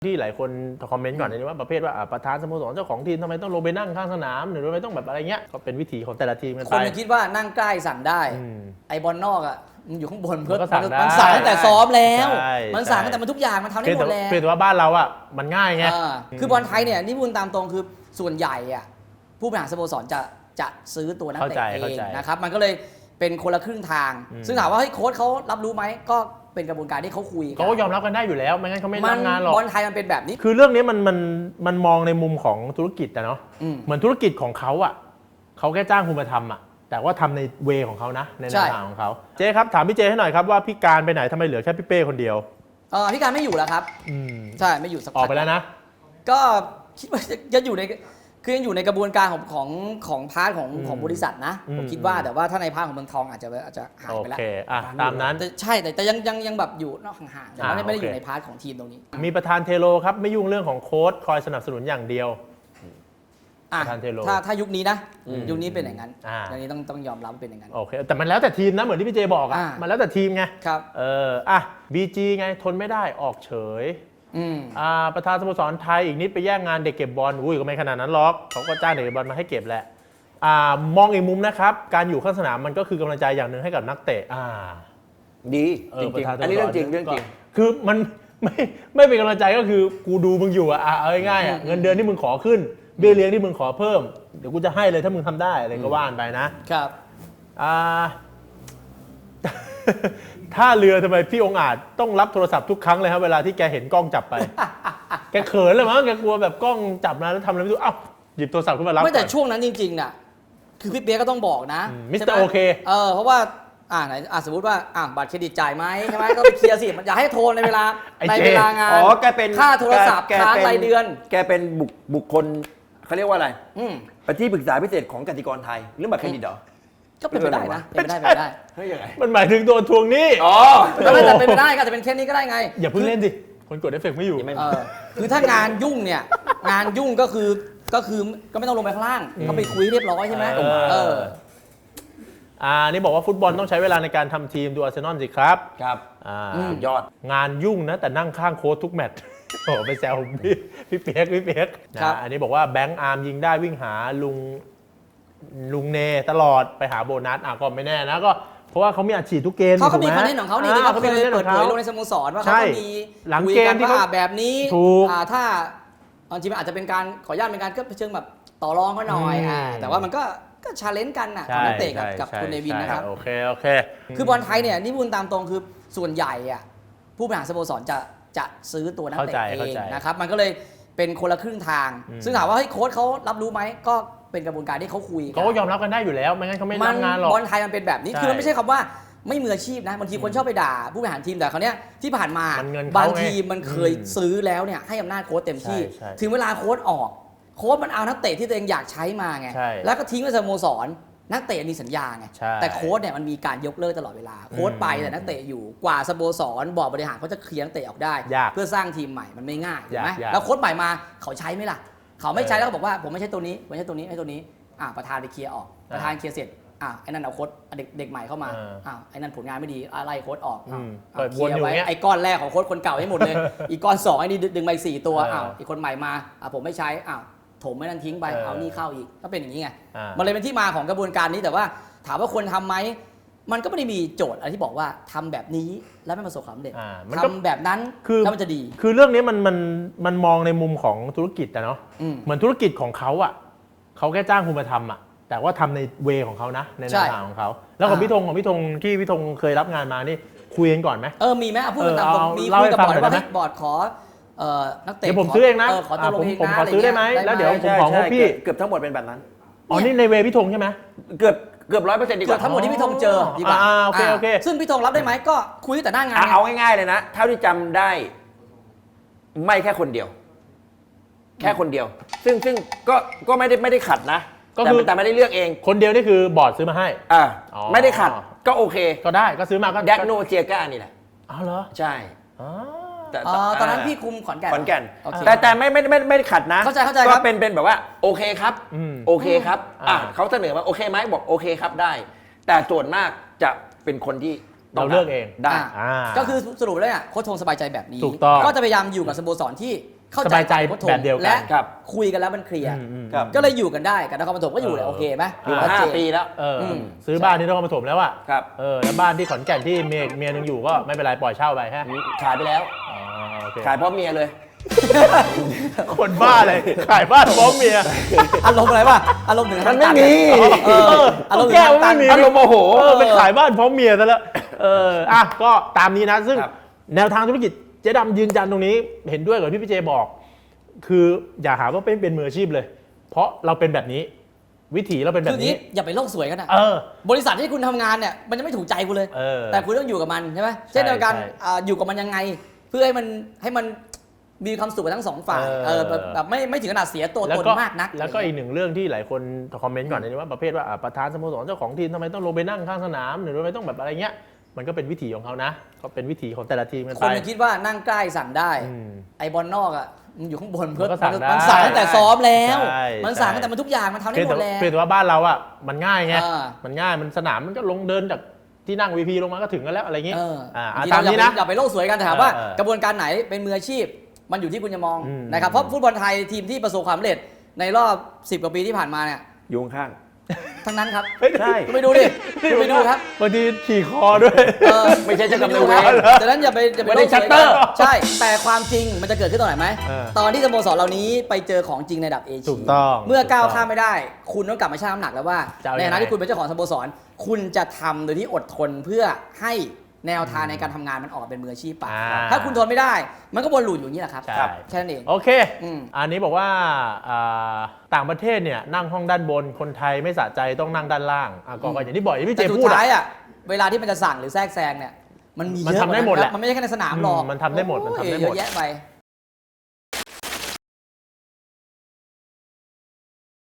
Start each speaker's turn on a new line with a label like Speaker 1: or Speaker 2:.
Speaker 1: ที่หลายคนคอมเมนต์ก่อนเลยว่าประเภทว่าประธานสโมสรเจ้าของทีมทำไมต้องลงไปนั่งข้างสนามหรือทำไมต้องแบบอะไรเงี้ยก็เป็นวิถีของแต่ละทีมกันไป
Speaker 2: คนคิดว่านั่งใกล้สั่งได้ไอบอลนอกอ่ะมันอยู่ข้างบนเพื่อมันสั่งตั้งแต่ซ้อมแล้วมันสั่งตั้งแต่มันทุกอย่างมันทำได้หมดแล้ว
Speaker 1: เพียงแต่ว่าบ้านเราอ่ะมันง่ายไง
Speaker 2: คือบอลไทยเนี่ยนี่พูดตามตรงคือส่วนใหญ่อ่ะผู้บริหารสโมสรจะซื้อตัวนักเตะเองนะครับมันก็เลยเป็นคนละครึ่งทางซึ่งถามว่าเฮ้ยโค้ชเขารับรู้ไหมก็เป็นกระบวนการที่เขาคุย
Speaker 1: เขาก็ยอมรับกันได้อยู่แล้วไม่งั้นเขาไม่รับงานหรอก
Speaker 2: บอลไทยมันเป็นแบบนี้
Speaker 1: คือเรื่องนี้มันมองในมุมของธุรกิจอะเนาะเหมือนธุรกิจของเขาอะเขาแค่จ้างคุณมาทำอะแต่ว่าทำในเวของเขานะในแนวทางของเขาเจ๊ครับถามพี่เจให้หน่อยครับว่าพี่การไปไหนทำไมเหลือแค่พี่เป้คนเดียว
Speaker 2: พี่การไม่อยู่แล้วครับใช่ไม่อยู่สักพัก
Speaker 1: ออกไปแล้วนะ
Speaker 2: ก็คิดว่าจะอยู่ในคือยังอยู่ในกระบวนการของพาร์ทของบริษัทนะผมคิดว่าแต่ว่าถ้าในพาร์ทของเมืองทองอาจจะหายไปแล้ว
Speaker 1: โอเคตามนั้น
Speaker 2: ใช่แต่ยังแบบอยู่นอกห่างๆแต่ว่าไม่ได้อยู่ในพาร์ทของทีมตรงนี้
Speaker 1: มีประธานเทโลครับไม่ยุ่งเรื่องของโค้ชคอยสนับสนุนอย่างเดียวประธานเทโล
Speaker 2: ถ้ายุคนี้นะยุคนี้เป็นอย่างนั้นอย่างนี้ต้องยอมรับเป็นอย่างนั้น
Speaker 1: โอเคแต่มันแล้วแต่ทีมนะเหมือนที่พี่เจบอกมันแล้วแต่ทีมไง
Speaker 2: ครับ
Speaker 1: บีจีไงทนไม่ได้ออกเฉยประธานสโมสรไทยอีกนิดไปแย่งงานเด็กเก็บบอลก็ไม่ขนาดนั้นหรอกเขาก็จ้างเด็กเก็บบอลมาให้เก็บแหละมองอีกมุมนะครับการอยู่ข้างสนามมันก็คือกำลังใจอย่างหนึ่งให้กับนักเตะ
Speaker 3: ดีจริงๆอันนี้เรื่องจริง
Speaker 1: คือมันไม่เป็นกำลังใจก็คือกูดูมึงอยู่เอาง่ายๆเงินเดือนที่มึงขอขึ้นเบี้ยเลี้ยงที่มึงขอเพิ่มเดี๋ยวกูจะให้เลยถ้ามึงทำได้อะไรก็ว่านไปนะครับถ้าเรือทำไมพี่องค์อาจต้องรับโทรศัพท์ทุกครั้งเลยครับเวลาที่แกเห็นกล้องจับไป แกเขินเลยมั้งแกกลัวแบบกล้องจับนะแล้วทำอะไรไม่รู้หยิบโทรศัพท์ขึ้นมารับ
Speaker 2: ไม่แต่ช่วงนั้นจริงๆน่ะคือพี่เปียก็ต้องบอกนะ
Speaker 1: มิสเตอร์โอเค
Speaker 2: เพราะว่าไหนสมมติว่าบัตรเครดิตจ่ายไหมใช่ไหมก็ไปเคลียร์สิอย่าให้โทรในเวลางาน
Speaker 3: แกเป็น
Speaker 2: ค่าโทรศัพท์ค้างรายเดือน
Speaker 3: แกเป็นบุคคลเขาเรียกว่าอะไรที่ปรึกษาพิเศษของกสิกรไทยเรื่องบัตรเครดิตเหรอ
Speaker 2: ก็เป็นไปได้นะเป็นไปได้
Speaker 3: เฮ้ยยังไง
Speaker 1: มันหมายถึงโดนทวงหนี้
Speaker 2: ก็ไม่แต่เป็นไปได้ก็จะเป็นแค่นี้ก็ได้ไง
Speaker 1: อย่าเพิ่งเล่นดิคนกดเอฟเฟกต์ไม่อยู่
Speaker 2: คือถ้างานยุ่งเนี่ยงานยุ่งก็คือก็ไม่ต้องลงไปข้างล่างก็ไปคุยเรียบร้อยใช่ไหม
Speaker 1: นี่บอกว่าฟุตบอลต้องใช้เวลาในการทำทีมดูอาร์เซนอลสิครับ
Speaker 3: ยอด
Speaker 1: งานยุ่งนะแต่นั่งข้างโค้ชทุกแมตช์ไปแซวพี่เปียกอันนี้บอกว่าแบงค์อาร์มยิงได้วิ่งหาลุงเนตลอดไปหาโบนัสก็ไม่แน่นะก็เพราะว่าเขามีอัดฉีดทุกเกม
Speaker 2: เขามีคอนเทนต์ของเขานี่ที่เขาเคยเปิดเผยลงในสโมสรว่าเขามี
Speaker 1: หลังเกมที่เขา
Speaker 2: แบบนี้ถ้าจริงๆอาจจะเป็นการขออนุญาตเป็นการก็เชิงแบบต่อรองเขาหน่อยแต่ว่ามันก็ชาเลนจ์กันของนักเตะกับคุณเนวินนะครับ
Speaker 1: โอเค
Speaker 2: คือบอลไทยเนี่ยนี่พูดตามตรงคือส่วนใหญ่ผู้บริหารสโมสรจะซื้อตัวนักเตะเองนะครับมันก็เลยเป็นคนละครึ่งทางซึ่งถามว่าเฮ้ยโค้ชเขารับรู้ไหมก็เป็นกระบวนการที่เขาคุย
Speaker 1: เขาก็ยอมรับกันได้อยู่แล้วไม่งั้นเขาไม่รับงานหรอก
Speaker 2: บอลไทยมันเป็นแบบนี้คือมันไม่ใช่คำว่าไม่มืออาชีพนะบางทีคนชอบไปด่าผู้บริหารทีมแต่คราวนี้ที่ผ่านมาบางทีมมันเคยซื้อแล้วเนี่ยให้อำนาจโค้ชเต็มที่ถึงเวลาโค้ชออกโค้ชมันเอานักเตะที่ตัวเองอยากใช้มาไงแล้วก็ทิ้งไว้สโมสรนักเตะมีสัญญาไงแต่โค้ชเนี่ยมันมีการยกเลิกตลอดเวลาโค้ชไปแต่นักเตะอยู่กว่าสโมสรบอร์ดบริหารเขาจะเคลียร์นักเตะออกได้เพื่อสร้างทีมใหม่มันไม่ง่ายถูกไหมแล้วโค้ชใหม่มาเขาใช้ไหมล่ะเขาไม่ใช้แล้วก็บอกว่าผมไม่ใช่ตัวนี้ไม่ใช่ตัวนี้ไอ้ตัวนี้ประธานไปเคลียร์ออกประธานเคลียร์เสร็จไอ้นั่นเอาโค้ชเด็กใหม่เข้ามาไอ้นั่นผลงานไม่ดีอะไรโค้ชออกเคลียร์ไว้ไอ้ก้อนแรกของโค้ชคนเก่าให้หมดเลยอีกก้อน2ไอ้นี่ดึงไป4ตัวอีกคนใหม่มาผมไม่ใช้ถมไม่นั่นทิ้งไปเอานี่เข้าอีกก็เป็นอย่างนี้ไงมันเลยเป็นที่มาของกระบวนการนี้แต่ว่าถามว่าควรทำไหมมันก็ไม่ได้มีโจทย์อะไรที่บอกว่าทำแบบนี้แล้วไม่ประสบความสำเร็จทำแบบนั้นแล้วมันจะดี
Speaker 1: คือเรื่องนี้มันมองในมุมของธุรกิจอะเนาะเหมือนธุรกิจของเขาเขาแค่จ้างคุณมาทำแต่ว่าทำในเวของเขานะในแนวทางของเขาแล้วของพี่ธงที่พี่ธงเคยรับงานมานี่คุยกันก่อนไหม
Speaker 2: มีไหมพูดกันตามตรงมีคุยกับบอร์ดว่าบอร์ดขอนักเตะ
Speaker 1: เดี๋ยวผมซื้อเองนะผมขอซื้อได้ไหมแล้วเดี๋ยวผมของพี่
Speaker 3: เกือบทั้งหมดเป็นแบบนั้น
Speaker 1: นี่ในเวพี่ธงใช่ไหม
Speaker 3: เกือบ 100%ดีกว่า
Speaker 2: ทั้งหมดที่พี่ธงเจอดีกว่า
Speaker 1: โอเค
Speaker 2: ซึ่งพี่ธงรับได้ไหมก็คุยแต่หน้างาน
Speaker 3: เอาง่ายๆเลยนะเท่าที่จำได้ไม่แค่คนเดียวซึ่งก็ไม่ได้ขัดนะแต่ไม่ได้เลือกเอง
Speaker 1: คนเดียวนี่คือบอร์ดซื้อมาให้
Speaker 3: ไม่ได้ขัดก็โอเค
Speaker 1: ก็ได้ก็ซื้อมาก็
Speaker 3: แดกโนเจียก้านี่แหละ
Speaker 1: เหรอ
Speaker 3: ใช่
Speaker 2: ตอนนั้นพี่คุมขอนแก่น
Speaker 3: แต่ไม่ได้ขัดนะ
Speaker 2: เข้าใจ
Speaker 3: ก็เป็นแบบว่าโอเคครับโอเคครับเขาเสนอมาโอเคไหมบอกโอเคครับได้แต่ส่วนมากจะเป็นคนที่
Speaker 1: เราเลือกเอง
Speaker 3: ได้
Speaker 2: ก็คือสรุปแล้วเนี่ยโค้ชทงสบายใจแบบนี้
Speaker 1: ถูกต้อง
Speaker 2: ก็จะพยายามอยู่กับสโมสรที่เข้า
Speaker 1: ส
Speaker 2: ใจ
Speaker 1: บายใจ
Speaker 2: โค้ชทง
Speaker 1: แบบเดียวกัน
Speaker 2: และ
Speaker 3: ครับ
Speaker 2: คุยกันแล้วมันเคลียร์
Speaker 3: ครับ
Speaker 2: ก็เลยอยู่กันได้กับนครปฐมก็อยู่เลยโอเคไหม
Speaker 3: อยู่มา
Speaker 2: ชัดเจน
Speaker 3: 5 ปีแล้ว
Speaker 1: ซื้อบ้านที่นครปฐมแล้วอ่ะ
Speaker 3: ครับ
Speaker 1: แล้วบ้านที่ขอนแก่นที่เมียนึงอยู่ก็ไม่เป็นไรปล่อยเช่าไปฮะ
Speaker 3: ขายไปแล้ว
Speaker 1: อ๋อโอเค
Speaker 3: ขายเพราะเมียเลย
Speaker 1: คนบ้าเลยขายบ้านพร้อมเมีย
Speaker 2: อารมณ์อะไรป่ะอารมณ์ถึงขั้
Speaker 3: มันไม่มี
Speaker 2: อารมณ์ถึ
Speaker 1: แก้
Speaker 2: ง
Speaker 1: ว
Speaker 2: ขั้น
Speaker 1: ไม่มี
Speaker 3: อารมณ์โมโห
Speaker 1: ไปขายบ้านพร้อมเมียซะแล้วก็ตามนี้นะ ซึ่ง
Speaker 3: ครับ
Speaker 1: แนวทางธุรกิจเจ๊ดำยืนยันตรงนี้เห็นด้วยกับที่พี่เจบอก คืออย่าหาว่าเป็นมืออาชีพเลย เพราะเราเป็นแบบนี้ วิถีเราเป็นแบ
Speaker 2: คือบ นี้
Speaker 1: นี้
Speaker 2: อย่าไปโลกสวยกันนะ บริษัทที่คุณทำงานเนี่ยมันจะไม่ถูกใจคุณเลย แต่คุณต้องอยู่กับมันใช่ไหมเช่นเดียวกันอยู่กับมันยังไง เพื่อให้มันมีความสุขกับทั้งสองฝ่ายแบบไม่ถึงขนาดเสียตัวตนมากนัก
Speaker 1: แล้วก็อีกหนึ่งเรื่องที่หลายคนคอมเมนต์ก่อนนะว่าประเภทว่าประธานสโมสรเจ้าของทีมทำไมต้องลงไปนั่งข้างสนามหรือทำไมต้องแบบอะไรเงี้ยมันก็เป็นวิถีของเขานะก็เป็นวิถีของแต่ละทีมกัน
Speaker 2: ค
Speaker 1: ไป
Speaker 2: นจะคิดว่านั่งใกล้สั่งได้ ไอบอลนอกอ่ะมันอยู่ข้างบนเพื่อ
Speaker 1: มันก็สั่งได้
Speaker 2: มันสั่งตั้งแต่ซ้อมแล้ว
Speaker 1: ใช่
Speaker 2: มันสั่งตั้งแต่มันทุกอย่างมันทำได้หมดแล้ว
Speaker 1: เพียงแต่ว่าบ้านเราอ่ะมันง่ายไง
Speaker 2: อ่า
Speaker 1: มันง่ายมันสนามมันก็ลงเดินจากที่นั่ง VP ลงมาก็ถึงกันแล้วอะไรเงี้ย
Speaker 2: บางที
Speaker 1: ตาม
Speaker 2: เรา
Speaker 1: นี้นะ
Speaker 2: อย่าไปโลกสวยกันแต่ถามว่า
Speaker 1: เออ
Speaker 2: กระบวนการไหนเป็นมืออาชีพ มันอยู่ที่คุณจะมอง
Speaker 1: อืม
Speaker 2: นะครับเพราะฟุตบอลไทยทีมที่ประสบความสำเร็จในรอบ10 กว่าปีที่ผ่านมาเนี่ย
Speaker 3: อยู่ข้าง
Speaker 2: ทั้งนั้นครับ
Speaker 3: ใช่
Speaker 2: คุณไปดูดิคุณไปดูครับ
Speaker 1: บางทีขี่คอด้วย
Speaker 3: ไม่ใช่เจ้ากรรม
Speaker 2: ไป
Speaker 3: นาย
Speaker 2: ดู
Speaker 3: เว
Speaker 2: ครับ
Speaker 3: ร
Speaker 2: ดังนั้นอย่าไป
Speaker 3: ไม่
Speaker 2: โล
Speaker 3: ได้
Speaker 2: กสวย
Speaker 3: ชัตเตอร์
Speaker 2: ใช่แต่ความจริงมันจะเกิดขึ้นตอนไหนไหม
Speaker 1: เออ
Speaker 2: ตอนที่สโมสรเหล่านี้ไปเจอของจริงในระดับเอเชีย
Speaker 1: ถูกต้อง
Speaker 2: เมื่อก้าวข้ามไม่ได้ คุณต้องกลับมาชั่งน้ำหนักแล้วว่า
Speaker 1: จะเอา
Speaker 2: ใน
Speaker 1: ยัง
Speaker 2: ฐา
Speaker 1: ไง
Speaker 2: นะที่คุณเป็นเจ้าของสโมสร คุณจะทำโดยที่อดทนเพื่อให้แนวทางในการทำงานมันออกมาเป็นมืออาชีพปะถ้าคุณทนไม่ได้ มันก็วนลูปอยู่อย่างนี้แหละครับ
Speaker 1: ใช่
Speaker 2: แค่นั้นเอง
Speaker 1: โอเค
Speaker 2: อืม
Speaker 1: อันนี้บอกว่าต่างประเทศเนี่ยนั่งห้องด้านบนคนไทยไม่สะใจต้องนั่งด้านล่างก็อย่างที่บอกอย่างที่พี่เจ
Speaker 2: แต่สุด
Speaker 1: พูด
Speaker 2: ท้ายเวลาที่มันจะสั่งหรือแทรกแซงเนี่ยมันมีเยอะ
Speaker 1: มันทำได้หมดแหละ
Speaker 2: มันไม่ใช่แค่ในสนามหรอก
Speaker 1: มันทำได้หมดมันทำได้หมด
Speaker 2: เยอะแยะไป